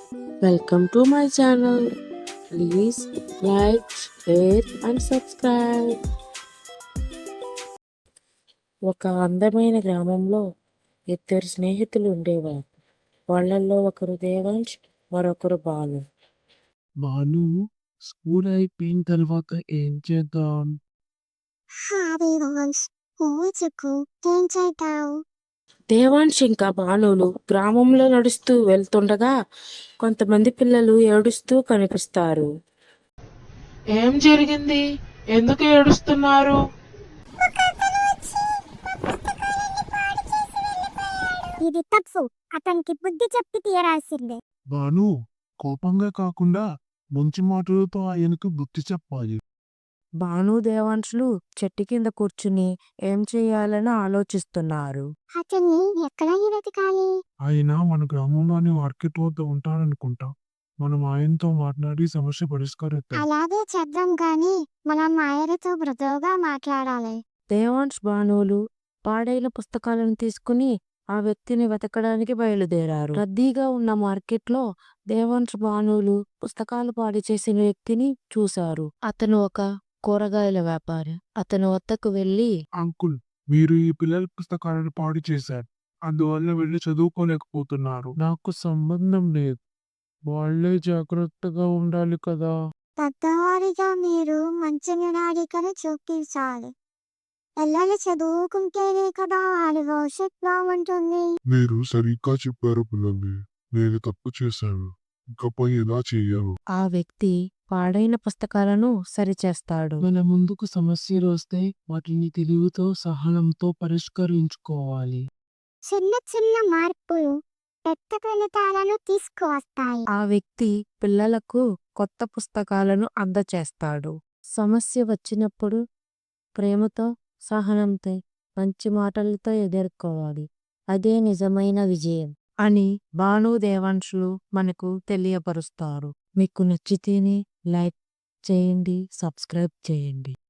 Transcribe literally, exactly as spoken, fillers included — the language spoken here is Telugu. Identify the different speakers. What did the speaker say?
Speaker 1: Welcome to my channel. Please like, share and subscribe. ఒక అందమైన గ్రామంలో ఇద్దరు స్నేహితులు ఉండేవారు. వాళ్ళల్లో ఒకరు దేవాంశ్, మరొకరు బాలు.
Speaker 2: బాలు స్కూల్ అయిపోయిన తర్వాత ఏం చేద్దాం?
Speaker 3: దేవాంశ్ ఊచుకు ఏం చేద్దాం?
Speaker 1: దేవాంశ్ ఇంకా బాలులు గ్రామంలో నడుస్తూ వెళ్తుండగా కొంతమంది పిల్లలు ఏడుస్తూ కనిపిస్తారు.
Speaker 4: ఏం జరిగింది? ఎందుకు ఏడుస్తున్నారు?
Speaker 3: ఇది తప్పు. అతనికి బుద్ధి చెప్పి తీరాల్సిందే.
Speaker 2: బాలు కోపంగా కాకుండా మంచి మాటలతో ఆయనకు బుద్ధి చెప్పాలి.
Speaker 1: బాను దేవాంశులు చెట్టు కింద కూర్చుని ఏం చేయాలని ఆలోచిస్తున్నారు.
Speaker 3: అతన్ని ఎక్కడ వెతకాలి?
Speaker 2: ఆయన మన గ్రామంలోని మార్కెట్ వద్ద ఉంటారనుకుంటా. మనం ఆయనతో మాట్లాడి సమస్య పరిష్కరిద్దాం.
Speaker 3: అలాగే చేద్దాం గాని మనం ఆయనతో మృదువుగా మాట్లాడాలి.
Speaker 1: దేవాంశ్ బానులు పాడైన పుస్తకాలను తీసుకుని ఆ వ్యక్తిని వెతకడానికి బయలుదేరారు. రద్దీగా ఉన్న మార్కెట్లో దేవాంశ్ బానులు పుస్తకాలు పాడు చేసిన వ్యక్తిని చూశారు. అతను ఒక కూరగాయల వ్యాపారి. అతను వద్దకు వెళ్లి,
Speaker 2: అంకుల్, మీరు ఈ పిల్లల పుస్తకాలను పాడు చేశారు. అందువల్ల వెళ్ళి చదువుకోలేకపోతున్నారు. నాకు సంబంధం లేదు. వాళ్ళే జాగ్రత్తగా ఉండాలి కదా.
Speaker 3: పెద్దవారిగా మీరు మంచి నినాడికను చూపించాలి. పిల్లలు చదువుకుంటేనే కదా వారి భవిష్యత్ బాగుంటుంది.
Speaker 2: మీరు సరిగ్గా చెప్పారు పిల్లల్ని. నేను తప్పు చేశాను. ఇకపై ఇలా చెయ్యను.
Speaker 1: ఆ వ్యక్తి పాడైన పుస్తకాలను సరిచేస్తాడు.
Speaker 2: మన ముందుకు సమస్యలు వస్తే వాటిని తెలివితో సహనంతో పరిష్కరించుకోవాలి.
Speaker 3: చిన్న చిన్న మార్పులు పెద్ద ఫలితాలను తీసుకువస్తాయి.
Speaker 1: ఆ వ్యక్తి పిల్లలకు కొత్త పుస్తకాలను అందచేస్తాడు. సమస్య వచ్చినప్పుడు ప్రేమతో, సహనంతో, మంచి మాటలతో ఎదుర్కోవాలి. అదే నిజమైన విజయం అని బాను దేవాంశులు మనకు తెలియపరుస్తారు. మీకు నచ్చితేనే లైక్ చేయండి, సబ్స్క్రైబ్ చేయండి.